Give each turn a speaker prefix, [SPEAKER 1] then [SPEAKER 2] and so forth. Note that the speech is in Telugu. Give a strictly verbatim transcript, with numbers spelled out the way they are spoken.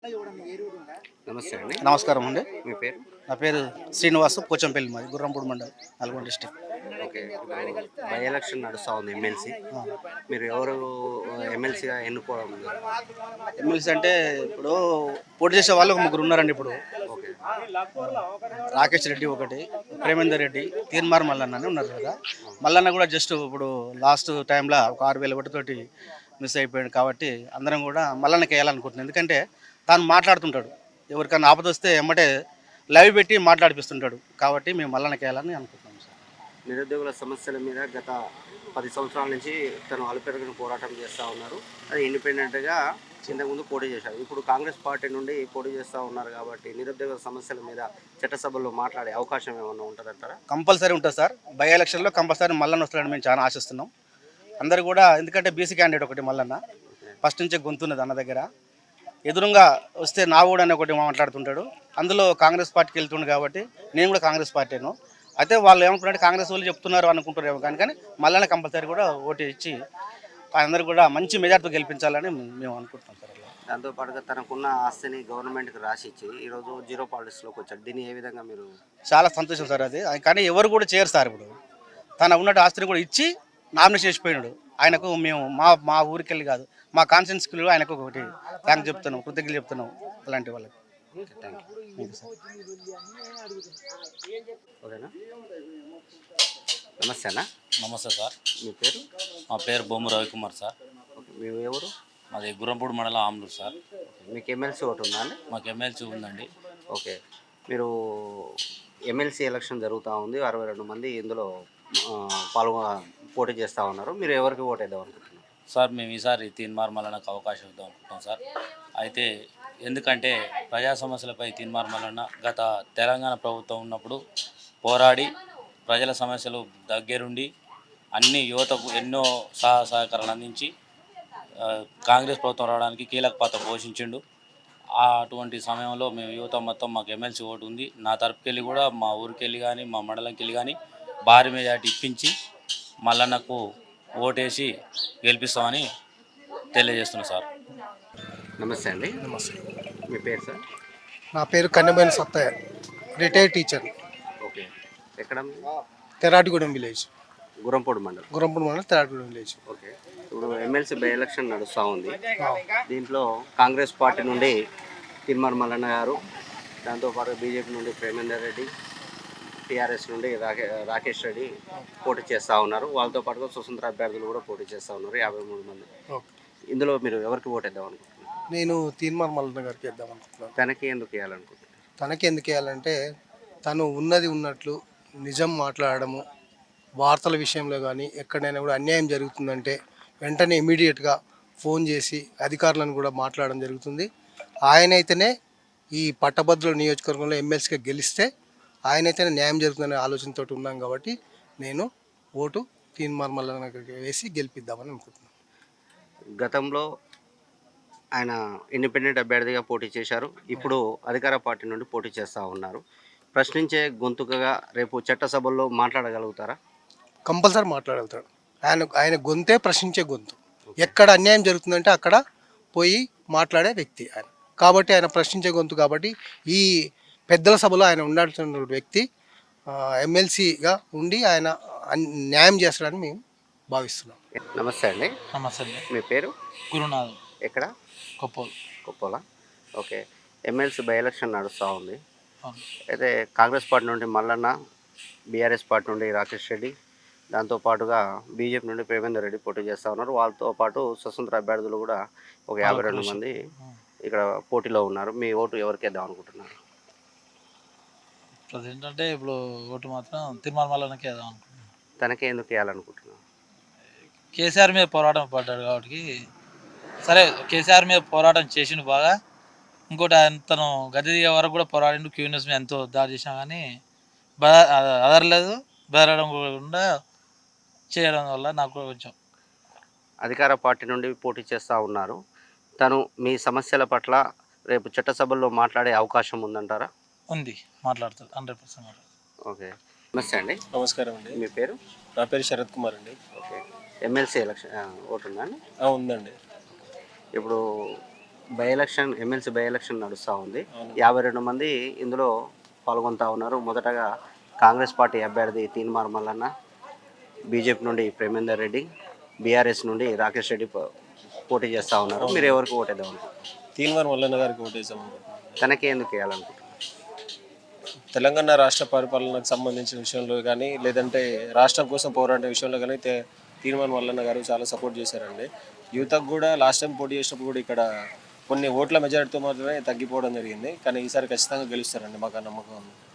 [SPEAKER 1] నమస్తే అండి.
[SPEAKER 2] నమస్కారం అండి.
[SPEAKER 1] మీ పేరు?
[SPEAKER 2] నా పేరు శ్రీనివాసు, పోచంపల్లి, మాది గుర్రంపూడి మండలం, నల్గొండ డిస్టిక్.
[SPEAKER 1] ఓకే. ఇప్పుడు బై ఎలక్షన్ నడుస్తూ ఉంది ఎమ్మెల్సీ. మీరు ఎవరు ఎమ్మెల్సీగా ఎన్నుకోవడం జరిగింది?
[SPEAKER 2] ఎమ్మెల్సీ అంటే ఇప్పుడు పోటీ చేసే వాళ్ళు ఒక ముగ్గురు ఉన్నారండి. ఇప్పుడు
[SPEAKER 1] ఓకే.
[SPEAKER 2] రాకేష్ రెడ్డి ఒకటి, ప్రేమేందర్ రెడ్డి, తీన్మార్ మల్లన్న అని ఉన్నారు కదా. మల్లన్న కూడా జస్ట్ ఇప్పుడు లాస్ట్ టైంలో ఒక ఆరు వేల ఒకటితోటి మిస్ అయిపోయాడు కాబట్టి అందరం కూడా మల్లన్నకి వేయాలనుకుంటున్నాం. ఎందుకంటే తాను మాట్లాడుతుంటాడు, ఎవరికైనా ఆపద వస్తే ఎమ్మటే లైవ్ పెట్టి మాట్లాడిపిస్తుంటాడు కాబట్టి మేము మల్లన్నకి వేయాలని అనుకుంటున్నాం సార్.
[SPEAKER 1] నిరుద్యోగుల సమస్యల మీద గత పది సంవత్సరాల నుంచి తను అలుపెరగని పోరాటం చేస్తూ ఉన్నారు. అది ఇండిపెండెంట్గా ఇంతకుముందు పోటీ చేశారు. ఇప్పుడు కాంగ్రెస్ పార్టీ నుండి పోటీ చేస్తూ ఉన్నారు కాబట్టి నిరుద్యోగుల సమస్యల మీద చట్టసభల్లో మాట్లాడే అవకాశం ఏమైనా ఉంటుందంటారా?
[SPEAKER 2] కంపల్సరీ ఉంటుంది సార్. బై ఎలక్షన్లో కంపల్సరీ మల్లన్న వస్తాడని మేము చాలా ఆశిస్తున్నాం. అందరు కూడా, ఎందుకంటే బీసీ క్యాండిడేట్ ఒకటి మల్లన్న ఫస్ట్ నుంచే గొంతున్నది అన్న దగ్గర. ఎదురుగా వస్తే నా కూడా అని ఒకటి మాట్లాడుతుంటాడు. అందులో కాంగ్రెస్ పార్టీకి వెళ్తుండు కాబట్టి నేను కూడా కాంగ్రెస్ పార్టీను. అయితే వాళ్ళు ఏమనుకుంటే కాంగ్రెస్ వాళ్ళు చెప్తున్నారు అనుకుంటారేమో కానీ కానీ మళ్ళీ కంపల్సరీ కూడా ఓటు ఇచ్చి అందరూ కూడా మంచి మెజార్టీతో గెలిపించాలని మేము అనుకుంటున్నాం సార్.
[SPEAKER 1] దాంతోపాటుగా తనకున్న ఆస్తిని గవర్నమెంట్కి రాసి ఇచ్చి ఈరోజు జీరో పాలిటిక్స్లోకి వచ్చాడు. దీన్ని ఏ విధంగా మీరు?
[SPEAKER 2] చాలా సంతోషం సార్ అది. కానీ ఎవరు కూడా చేయరు సార్. ఇప్పుడు తన ఉన్నట్టు ఆస్తిని కూడా ఇచ్చి నామినేషన్ చేసిపోయినాడు. ఆయనకు మేము మా మా ఊరికి వెళ్ళి కాదు, మా కాన్స్టిట్యూన్సీలో ఆయనకు ఒకటి థ్యాంక్స్ చెప్తున్నాం, కృతజ్ఞతలు చెప్తున్నాం అలాంటి వాళ్ళకి.
[SPEAKER 1] Thank you sir. ఓకేనా? నమస్తే అన్న.
[SPEAKER 3] నమస్తే సార్.
[SPEAKER 1] మీ పేరు?
[SPEAKER 3] మా పేరు బొమ్మ రవికుమార్ సార్.
[SPEAKER 1] ఓకే. మీ ఎవరు?
[SPEAKER 3] మాది గుర్రంపూడి మండలం ఆమ్లూరు సార్.
[SPEAKER 1] మీకు ఎమ్మెల్సీ ఓటు ఉందా అండి?
[SPEAKER 3] మాకు ఎమ్మెల్సీ ఉందండి.
[SPEAKER 1] ఓకే. మీరు ఎమ్మెల్సీ ఎలక్షన్ జరుగుతూ ఉంది. అరవై రెండు మంది ఇందులో పాల్గొ పోటీ చేస్తూ ఉన్నారు. మీరు ఎవరికి ఓటు వేద్దాం అనుకుంటున్నారు?
[SPEAKER 3] సార్ మేము ఈసారి తీన్మార్ మల్లన్నకు అవకాశం ఇద్దాం అనుకుంటున్నాం సార్. అయితే ఎందుకంటే ప్రజా సమస్యలపై తీన్మార్ మల్లన్న గత తెలంగాణ ప్రభుత్వం ఉన్నప్పుడు పోరాడి ప్రజల సమస్యలు దగ్గరుండి అన్ని యువతకు ఎన్నో సహాయ సహకారాలు అందించి కాంగ్రెస్ ప్రభుత్వం రావడానికి కీలక పాత్ర పోషించిండు. అటువంటి సమయంలో మేము యువత మొత్తం మాకు ఎమ్మెల్సీ ఓటు ఉంది. నా తరపుకెళ్ళి కూడా మా ఊరికి వెళ్ళి కానీ మా మండలంకి వెళ్ళి కానీ భారీ మెజార్టీ ఇప్పించి మల్లన్నకు ఓటేసి గెలిపిస్తామని తెలియజేస్తున్నాం సార్.
[SPEAKER 1] నమస్తే అండి.
[SPEAKER 4] నమస్తే.
[SPEAKER 1] మీ పేరు సార్?
[SPEAKER 4] నా పేరు Kannemaina Sattaiah, retired teacher.
[SPEAKER 1] Okay. ఎక్కడ?
[SPEAKER 4] తెరాటిగూడెం విలేజ్,
[SPEAKER 1] గుర్రంపూడి మండలం.
[SPEAKER 4] గుర్రంపూడి మండలం, తెరాటిగూడెం విలేజ్.
[SPEAKER 1] ఓకే. ఇప్పుడు ఎమ్మెల్సీ బై ఎలక్షన్ నడుస్తూ ఉంది. దీంట్లో కాంగ్రెస్ పార్టీ నుండి తీన్మార్ మల్లన్న గారు, దాంతోపాటు బీజేపీ నుండి ప్రేమేందర్ రెడ్డి, టీఆర్ఎస్ నుండి రాకే రాకేష్ రెడ్డి పోటీ చేస్తూ ఉన్నారు. వాళ్ళతో పాటుగా స్వతంత్ర అభ్యర్థులు కూడా పోటీ చేస్తూ ఉన్నారు, యాభై మూడు మంది. ఇందులో మీరు ఎవరికి ఓటు వేద్దాం అనుకుంటున్నారు?
[SPEAKER 4] నేను తీన్మార్ మల్లన్న గారికి వేద్దాం అనుకుంటున్నాను.
[SPEAKER 1] తనకి ఎందుకు వేయాలనుకుంటున్నారు?
[SPEAKER 4] తనకి ఎందుకు వేయాలంటే తను ఉన్నది ఉన్నట్లు నిజం మాట్లాడము, వార్తల విషయంలో కానీ ఎక్కడైనా కూడా అన్యాయం జరుగుతుందంటే వెంటనే ఇమీడియట్గా ఫోన్ చేసి అధికారులను కూడా మాట్లాడడం జరుగుతుంది. ఆయనైతేనే ఈ పట్టభద్రుల నియోజకవర్గంలో ఎమ్మెల్సీగా గెలిస్తే ఆయనైతేనే న్యాయం జరుగుతుందనే ఆలోచనతో ఉన్నాం కాబట్టి నేను ఓటు తీన్మార్ మల్లన్న గారికి వేసి గెలిపిద్దామని అనుకుంటున్నాను.
[SPEAKER 1] గతంలో ఆయన ఇండిపెండెంట్ అభ్యర్థిగా పోటీ చేశారు. ఇప్పుడు అధికార పార్టీ నుండి పోటీ చేస్తూ ఉన్నారు. ప్రశ్నించే గొంతుకగా రేపు చట్టసభల్లో మాట్లాడగలుగుతారా?
[SPEAKER 4] కంపల్సరీ మాట్లాడగలుగుతాడు. ఆయన ఆయన గొంతే ప్రశ్నించే గొంతు. ఎక్కడ అన్యాయం జరుగుతుందంటే అక్కడ పోయి మాట్లాడే వ్యక్తి ఆయన కాబట్టి, ఆయన ప్రశ్నించే గొంతు కాబట్టి ఈ పెద్దల సభలో ఆయన ఉండాల్సిన వ్యక్తి ఎమ్మెల్సీగా ఉండి ఆయన న్యాయం చేస్తాడని మేము భావిస్తున్నాం.
[SPEAKER 1] నమస్తే అండి.
[SPEAKER 3] నమస్తే.
[SPEAKER 1] మీ పేరు?
[SPEAKER 3] గురునాథ్.
[SPEAKER 1] ఎక్కడ?
[SPEAKER 3] కొప్పోలు.
[SPEAKER 1] కొప్పోలా. ఓకే. ఎమ్మెల్సీ బై ఎలక్షన్ నడుస్తూ ఉంది. అయితే కాంగ్రెస్ పార్టీ నుండి మల్లన్న, బీఆర్ఎస్ పార్టీ నుండి రాకేష్ రెడ్డి, దాంతోపాటుగా బీజేపీ నుండి ప్రేమేందర్ రెడ్డి పోటీ చేస్తూ ఉన్నారు. వాళ్ళతో పాటు స్వతంత్ర అభ్యర్థులు కూడా ఒక యాభై రెండు మంది ఇక్కడ పోటీలో ఉన్నారు. మీ ఓటు ఎవరికి వేద్దాం అనుకుంటున్నారు?
[SPEAKER 3] ప్రజెంట్ అంటే ఇప్పుడు ఓటు మాత్రం తీన్మార్ మల్లన్నకి వేద్దాం అనుకుంటున్నాను.
[SPEAKER 1] తనకే ఎందుకు వేయాలనుకుంటున్నాను?
[SPEAKER 3] కేసీఆర్ మీద పోరాటం పడ్డాడు కాబట్టి. సరే, కేసీఆర్ మీద పోరాటం చేసిండు బాగా. ఇంకోటి తను గది దిగే వరకు కూడా పోరాడిండు. క్యూనియస్ మీద ఎంతో దాడి చేసినా కానీ బ అదరలేదు. బెదరడం కూడా చేయడం వల్ల నాకు కొంచెం.
[SPEAKER 1] అధికార పార్టీ నుండి పోటీ చేస్తూ ఉన్నారు. తను మీ సమస్యల పట్ల రేపు చట్టసభల్లో మాట్లాడే అవకాశం ఉందంటారా?
[SPEAKER 3] ఉంది, మాట్లాడుతుంది, హండ్రెడ్ పర్సెంట్ మాట్లాడుతుంది.
[SPEAKER 1] ఓకే. నమస్తే అండి.
[SPEAKER 5] నమస్కారం అండి.
[SPEAKER 1] మీ పేరు?
[SPEAKER 5] నా పేరు శరత్ కుమార్ అండి.
[SPEAKER 1] ఓకే. ఎమ్మెల్సీ ఎలక్షన్ ఓటు ఉందా అండి?
[SPEAKER 5] ఉందండి.
[SPEAKER 1] ఇప్పుడు by election MLC by election నడుస్తూ ఉంది. యాభై రెండు మంది ఇందులో పాల్గొంటూ ఉన్నారు. మొదటగా కాంగ్రెస్ పార్టీ అభ్యర్థి తీన్మార్ మల్లన్న, బీజేపీ నుండి ప్రేమేందర్ రెడ్డి, బీఆర్ఎస్ నుండి రాకేష్ రెడ్డి పో- పోటీ చేస్తూ ఉన్నారు. మీరు ఎవరికి ఓటేద్దాం అనుకుంటున్నారు?
[SPEAKER 5] తీన్మార్ మల్లన్న గారికి ఓటేసాం అనుకుంటున్నాను.
[SPEAKER 1] తనకే ఎందుకు వేయాలనుకుంటున్నారు?
[SPEAKER 5] తెలంగాణ రాష్ట్ర పరిపాలనకు సంబంధించిన విషయంలో కానీ లేదంటే రాష్ట్రం కోసం పోరాడే విషయంలో కానీ తే- తీన్మార్ మల్లన్న గారు చాలా సపోర్ట్ చేశారండి. యువతకు కూడా లాస్ట్ టైం పోటీ చేసినప్పుడు కూడా ఇక్కడ కొన్ని ఓట్ల మెజారిటీతో మాత్రమే తగ్గిపోవడం జరిగింది. కానీ ఈసారి ఖచ్చితంగా గెలుస్తారండి, మాకు ఆ నమ్మకం ఉంది.